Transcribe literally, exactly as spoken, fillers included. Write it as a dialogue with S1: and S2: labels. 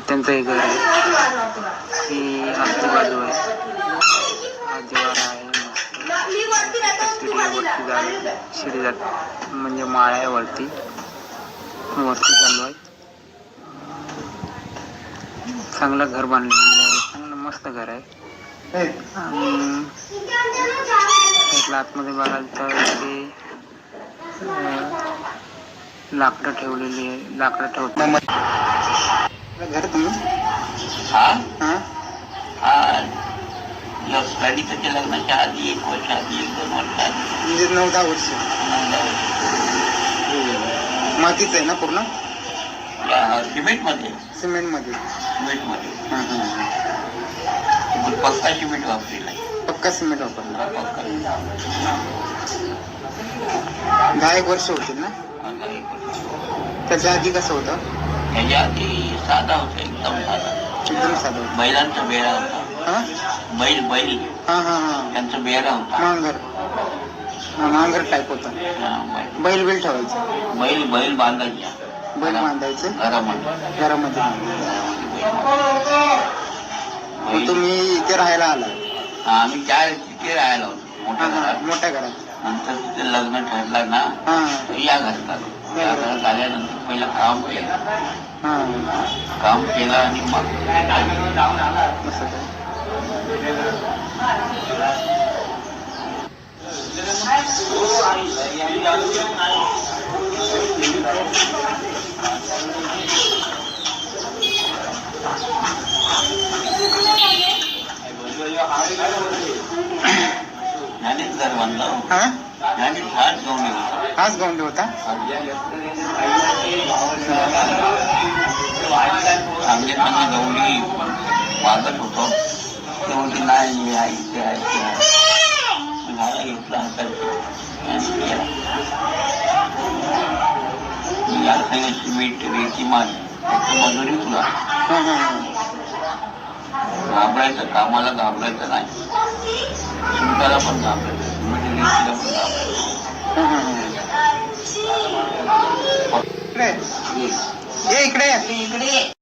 S1: त्यांचं हे घर आहे. ही आजची बाजू आहे. हा दिवार आहे मस्त. वरती जायला शिडी जात म्हणजे माळ आहे वरती वरती चालू आहे. चांगलं घर बांधलेलं आहे. चांगलं मस्त घर आहे. आणि आतमध्ये बघाल तर ते लाकडं ठेवलेली आहे. लाकडं ठेवतो घर तुम्ही
S2: हा
S1: हा
S2: हा लग्नाच्या लग्नाच्या आधी एक वर्ष आधी एक दोन वर्ष आधी
S1: म्हणजे नऊ दहा वर्ष मातीच आहे ना पूर्ण
S2: सिमेंट मध्ये
S1: सिमेंट मध्ये
S2: सिमेंट मध्ये
S1: हा हा
S2: पक्का सिमेंट वापरलेला
S1: पक्का सिमेंट वापरला.
S2: पक्का
S1: दहा एक वर्ष होतील ना. त्याच्या आधी कसं होतं.
S2: त्याच्या आधी साधा होता एकदम साधा
S1: एकदम साधा होता.
S2: बैलांचा बेडा होता.
S1: हा
S2: बैल बैल
S1: हा हा हा
S2: त्यांचा बेडा होता.
S1: मांगर मांगर टाईप होता. बैल बैल ठेवायचं.
S2: बैल बैल बांधायचा
S1: बैल बांधायचं
S2: घरामध्ये
S1: घरामध्ये. मग तुम्ही इथे राहायला आला.
S2: आम्ही त्या तिथे राहायला होतो मोठ्या घरात.
S1: मोठ्या घरात
S2: नंतर तिथे लग्न ठरलं ना
S1: हा
S2: या घरात आलो. या घरात आल्यानंतर पहिलं काम केलं.
S1: हा
S2: काम केलं आणि मग
S1: असं काय.
S2: ज्ञानेच घर बांधलं.
S1: हा
S2: ज्ञानेच हाच गवंडी होता.
S1: हाच गवंडी होता.
S2: चांगले चांगले गवंडी वागत होतो. ते म्हणते नाही मी ऐकते ऐकते झाला घेतला हातात मी याला सांगितलं सिमेंट रेती मान त्याचं मजुरी तुला घाबरायचं कामाला घाबरायचं नाही. सुंटाला पण घाबरायचं सिमेंट रेतीला पण घाबरायचं.
S1: इकडे ये इकडे
S2: इकडे